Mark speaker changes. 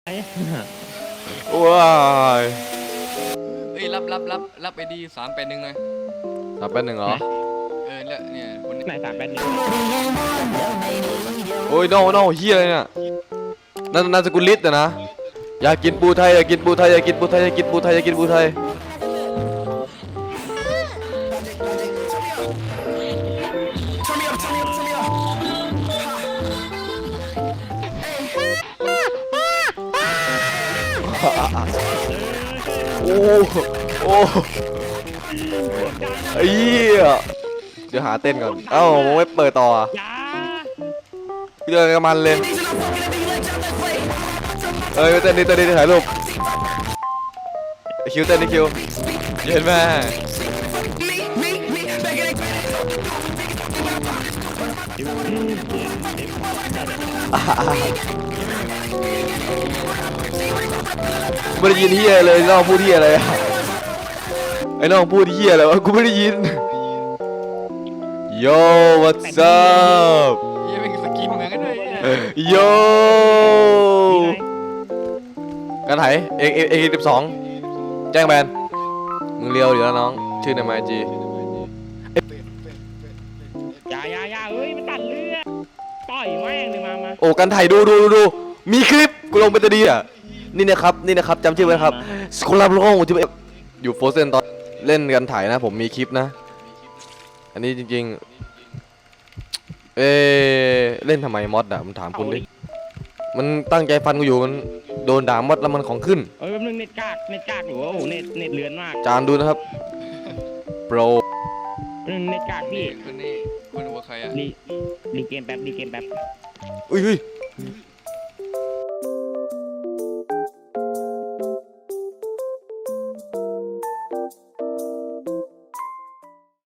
Speaker 1: ว้าย
Speaker 2: เอ้ยรับไอดี381เลย
Speaker 1: 381เหรอ
Speaker 2: แล้วเนี่ยคนนี้
Speaker 3: ไหน381
Speaker 1: โอ้ยโน่เฮียอะไรเนี่ยนั่นนามสกุลลิศนะอยากกินปูไทยอยากกินปูไทยอยากกินปูไทยอยากกินปูไทยอยากกินปูไทยโอ้ไอ้เหี้ยเดี๋ยวหาเต้นก่อนเอ้ามึงไม่เปิดต่ออ่ะ
Speaker 3: ยา
Speaker 1: เจอกันมันเลยเต้นดิถ่ายรูปคิวเต้นดิคิวเย็นแม่ไม่ได้ยินเฮียเลยน้องพูดเฮียอะไรอะไอ้น้องพูดเฮียอะไรวะกูไม่ได้ยิน Yo what's up
Speaker 2: ยังเป็นสกินเหมือนกันด้วย
Speaker 1: Yo กันไหนเอ12แจ้งแบนมึงเลียวอยู่แล้วน้องชื่อในไมจี
Speaker 3: ยาเอ้ยมันตัดเลือดต่อยแม่งเลยมา
Speaker 1: โอ้กันไถดูมีคลิปกูลงไปจะดีอ่ะนี่นะครับจำชื่อไว้ครับสกุลาบลงที่อยู่โฟเซนตอนเล่นกันไถนะผมมีคลิปนะอันนี้จริงๆเล่นทำไมมอดอ่ะมันถามคุณดิมันตั้งใจฟันกูอยู่มันโดนด่ามอดแล้วมันของขึ้น
Speaker 3: แป๊บนึงเน็ตกากอยู่โอ้โหเน็ตเลือนมาก
Speaker 1: จานดูนะครับโปร
Speaker 3: เน็ตกากพี่
Speaker 2: คนนี้คนหัวใครอ่ะ
Speaker 3: ดีเกมแป๊บ
Speaker 1: อุ้ย